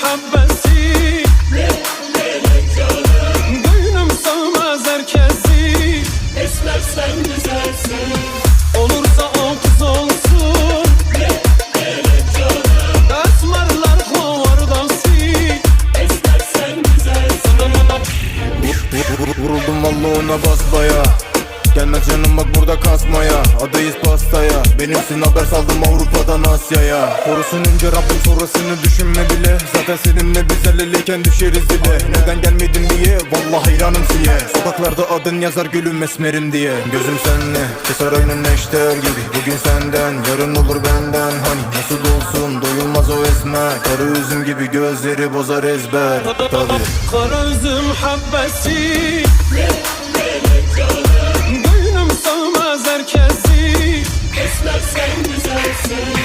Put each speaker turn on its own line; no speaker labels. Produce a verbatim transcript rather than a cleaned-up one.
habbesi. Gönlüm sığmaz herkesi.
Esmer sen güzelsin.
Olursa o kız olsun. Esmerler kovardası.
Esmer sen güzelsin.
Vuruldum vallahi ona basbaya. Gelmez canım bak burada kasmaya. Adayız pastaya. Benimsin haber saldım Avrupa'dan Asya'ya. Korusun önce Rabbim sonrasını düşünme bile. Zaten seninle biz el eleyken düşeriz dile. Neden gelmedin diye vallahi hayranım siye. Sokaklarda adın yazar gülüm esmerim diye. Gözüm senle keser aynen neşter gibi. Bugün senden yarın olur benden. Hani nasıl olsun doyulmaz o esmer. Karı üzüm gibi gözleri bozar ezber. Tabii
Kara üzüm habbesi. Gönlüm sığmaz herkesi.
Esmer sen güzelsin.